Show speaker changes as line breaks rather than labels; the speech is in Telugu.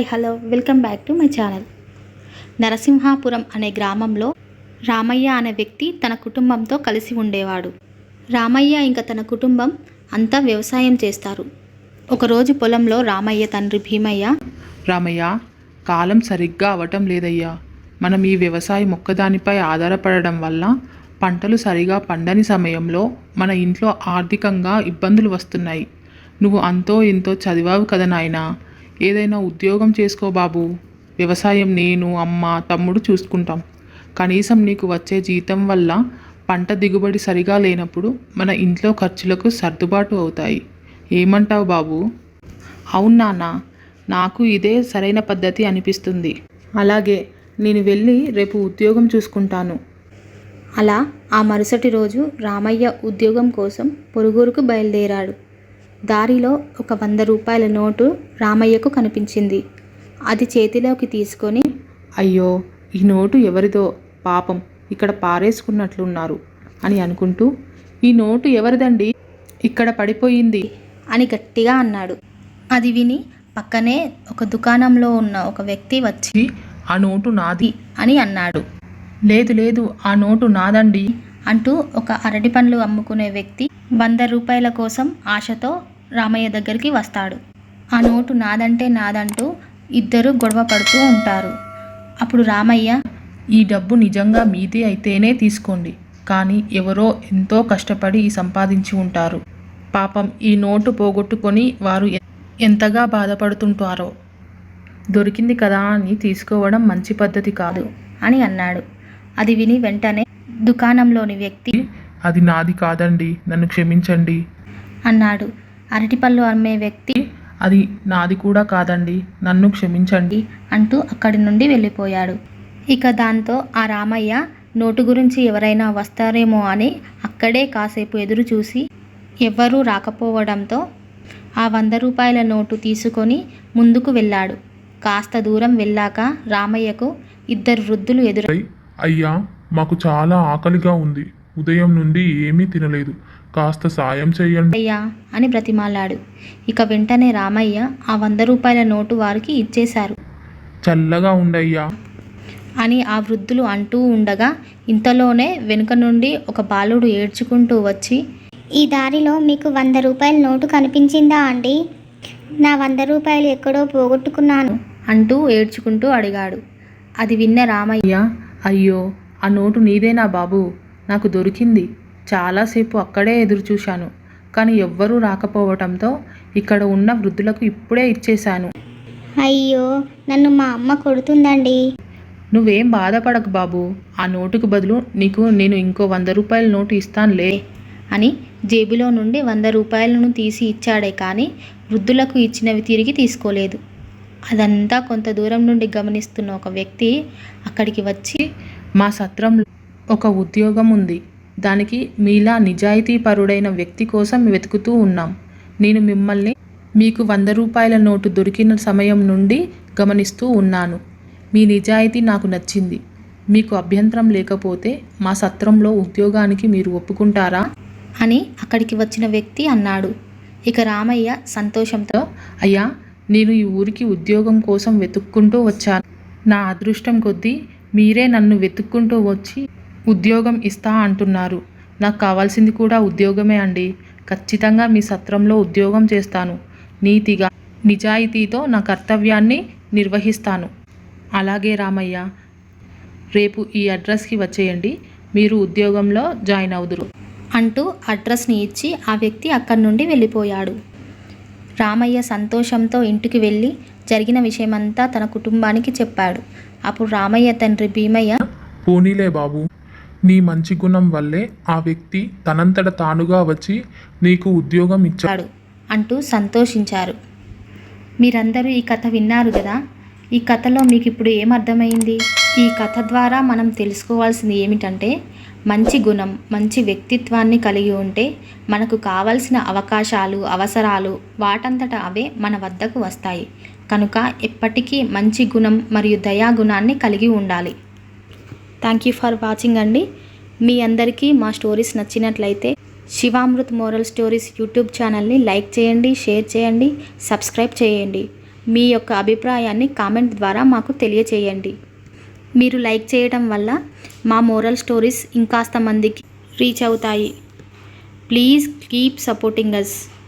Hi hello welcome back to my channel. Narasimhapuram అనే గ్రామంలో రామయ్య అనే వ్యక్తి తన కుటుంబంతో కలిసి ఉండేవాడు. రామయ్య ఇంకా తన కుటుంబం అంతా వ్యవసాయం చేస్తారు. ఒకరోజు పొలంలో రామయ్య తండ్రి భీమయ్య,
రామయ్య, కాలం సరిగ్గా అవటం లేదయ్యా. మనం ఈ వ్యవసాయం ఒక్కదానిపై ఆధారపడడం వల్ల పంటలు సరిగా పండని సమయంలో మన ఇంట్లో ఆర్థికంగా ఇబ్బందులు వస్తున్నాయి. నువ్వు అంతో ఇంతో చదివావు కదా నాయనా, ఏదైనా ఉద్యోగం చేసుకో బాబు. వ్యవసాయం నేను, అమ్మ, తమ్ముడు చూసుకుంటాం. కనీసం నీకు వచ్చే జీతం వల్ల పంట దిగుబడి సరిగా లేనప్పుడు మన ఇంట్లో ఖర్చులకు సర్దుబాటు అవుతాయి. ఏమంటావు బాబు? అవును నాన్న, నాకు ఇదే సరైన పద్ధతి అనిపిస్తుంది. అలాగే, నేను వెళ్ళి రేపు ఉద్యోగం చూసుకుంటాను.
అలా ఆ మరుసటి రోజు రామయ్య ఉద్యోగం కోసం పొరుగురుకు బయలుదేరాడు. దారిలో ఒక 100 రూపాయల నోటు రామయ్యకు కనిపించింది. అది చేతిలోకి తీసుకొని,
అయ్యో, ఈ నోటు ఎవరిదో, పాపం ఇక్కడ పారేసుకున్నట్లున్నారు అని అనుకుంటూ, ఈ నోటు ఎవరిదండి, ఇక్కడ పడిపోయింది
అని గట్టిగా అన్నాడు. అది విని పక్కనే ఒక దుకాణంలో ఉన్న ఒక వ్యక్తి వచ్చి,
ఆ నోటు నాది
అని అన్నాడు.
లేదు లేదు, ఆ నోటు నాదండి
అంటూ ఒక అరటి పండ్లు అమ్ముకునే వ్యక్తి 100 రూపాయల కోసం ఆశతో రామయ్య దగ్గరికి వస్తాడు. ఆ నోటు నాదంటే నాదంటూ ఇద్దరు గొడవ పడుతూ ఉంటారు. అప్పుడు రామయ్య,
ఈ డబ్బు నిజంగా మీదే అయితేనే తీసుకోండి, కానీ ఎవరో ఎంతో కష్టపడి సంపాదించి ఉంటారు. పాపం ఈ నోటు పోగొట్టుకొని వారు ఎంతగా బాధపడుతుంటారో. దొరికింది కదా అని తీసుకోవడం మంచి పద్ధతి కాదు
అని అన్నాడు. అది విని వెంటనే దుకాణంలోని వ్యక్తి,
అది నాది కాదండి, నన్ను క్షమించండి
అన్నాడు. అరటిపళ్ళు అమ్మే వ్యక్తి,
అది నాది కూడా కాదండి, నన్ను క్షమించండి
అంటూ అక్కడి నుండి వెళ్ళిపోయాడు. ఇక దాంతో ఆ రామయ్య నోటు గురించి ఎవరైనా వస్తారేమో అని అక్కడే కాసేపు ఎదురు చూసి ఎవ్వరూ రాకపోవడంతో ఆ 100 రూపాయల నోటు తీసుకొని ముందుకు వెళ్ళాడు. కాస్త దూరం వెళ్ళాక రామయ్యకు 2 వృద్ధులు ఎదురై,
అయ్యా, మాకు చాలా ఆకలిగా ఉంది, ఉదయం నుండి ఏమీ తినలేదు, కాస్త సాయం చేయండి
అయ్యా అని బ్రతిమాలాడు. ఇక వెంటనే రామయ్య ఆ 100 రూపాయల నోటు వారికి ఇచ్చేశారు.
చల్లగా ఉండయ్యా
అని ఆ వృద్ధులు అంటూ ఉండగా ఇంతలోనే వెనుక నుండి ఒక బాలుడు ఏడ్చుకుంటూ వచ్చి,
ఈ దారిలో మీకు 100 రూపాయల నోటు కనిపించిందా అండి? నా 100 రూపాయలు ఎక్కడో పోగొట్టుకున్నాను
అంటూ ఏడ్చుకుంటూ అడిగాడు. అది విన్న రామయ్య,
అయ్యో, ఆ నోటు నీదేనా బాబు? నాకు దొరికింది. చాలాసేపు అక్కడే ఎదురు చూశాను, కానీ ఎవ్వరూ రాకపోవటంతో ఇక్కడ ఉన్న వృద్ధులకు ఇప్పుడే ఇచ్చేశాను.
అయ్యో, నన్ను మా అమ్మ కొడుతుందండి.
నువ్వేం బాధపడకు బాబు, ఆ నోటుకు బదులు నీకు నేను ఇంకో 100 రూపాయల నోటు ఇస్తానులే
అని జేబులో నుండి 100 రూపాయలను తీసి ఇచ్చాడే కానీ వృద్ధులకు ఇచ్చినవి తిరిగి తీసుకోలేదు. అదంతా కొంత దూరం నుండి గమనిస్తున్న ఒక వ్యక్తి అక్కడికి వచ్చి,
మా సత్రంలో ఒక ఉద్యోగం ఉంది, దానికి మీలా నిజాయితీపరుడైన వ్యక్తి కోసం వెతుకుతూ ఉన్నాం. నేను మిమ్మల్ని మీకు 100 రూపాయల నోటు దొరికిన సమయం నుండి గమనిస్తూ ఉన్నాను. మీ నిజాయితీ నాకు నచ్చింది. మీకు అభ్యంతరం లేకపోతే మా సత్రంలో ఉద్యోగానికి మీరు ఒప్పుకుంటారా
అని అక్కడికి వచ్చిన వ్యక్తి అన్నాడు. ఇక రామయ్య సంతోషంతో,
అయ్యా, నేను ఈ ఊరికి ఉద్యోగం కోసం వెతుక్కుంటూ వచ్చాను. నా అదృష్టం కొద్దీ మీరే నన్ను వెతుక్కుంటూ వచ్చి ఉద్యోగం ఇస్తా అంటున్నారు. నాకు కావాల్సింది కూడా ఉద్యోగమే అండి. ఖచ్చితంగా మీ సత్రంలో ఉద్యోగం చేస్తాను. నీతిగా, నిజాయితీతో నా కర్తవ్యాన్ని నిర్వహిస్తాను. అలాగే రామయ్య, రేపు ఈ అడ్రస్కి వచ్చేయండి, మీరు ఉద్యోగంలో జాయిన్ అవుదురు
అంటూ అడ్రస్ని ఇచ్చి ఆ వ్యక్తి అక్కడి నుండి వెళ్ళిపోయాడు. రామయ్య సంతోషంతో ఇంటికి వెళ్ళి జరిగిన విషయమంతా తన కుటుంబానికి చెప్పాడు. అప్పుడు రామయ్య తండ్రి భీమయ్య,
పోనీలే బాబు, నీ మంచి గుణం వల్లే ఆ వ్యక్తి తనంతట తానుగా వచ్చి నీకు ఉద్యోగం ఇచ్చాడు
అంటూ సంతోషించారు. మీరందరూ ఈ కథ విన్నారు కదా. ఈ కథలో మీకు ఇప్పుడు ఏమర్థమైంది? ఈ కథ ద్వారా మనం తెలుసుకోవాల్సింది ఏమిటంటే, మంచి గుణం, మంచి వ్యక్తిత్వాన్ని కలిగి ఉంటే మనకు కావలసిన అవకాశాలు, అవసరాలు వాటంతట అవే మన వద్దకు వస్తాయి. కనుక ఎప్పటికీ మంచి గుణం మరియు దయాగుణాన్ని కలిగి ఉండాలి. థ్యాంక్ యూ ఫర్ వాచింగ్ అండి. మీ అందరికీ మా స్టోరీస్ నచ్చినట్లయితే శివామృత్ మోరల్ స్టోరీస్ యూట్యూబ్ ఛానల్ని లైక్ చేయండి, షేర్ చేయండి, సబ్స్క్రైబ్ చేయండి. మీ యొక్క అభిప్రాయాన్ని కామెంట్ ద్వారా మాకు తెలియచేయండి. మీరు లైక్ చేయడం వల్ల మా మోరల్ స్టోరీస్ ఇంకాస్త మందికి రీచ్ అవుతాయి. Please keep supporting us.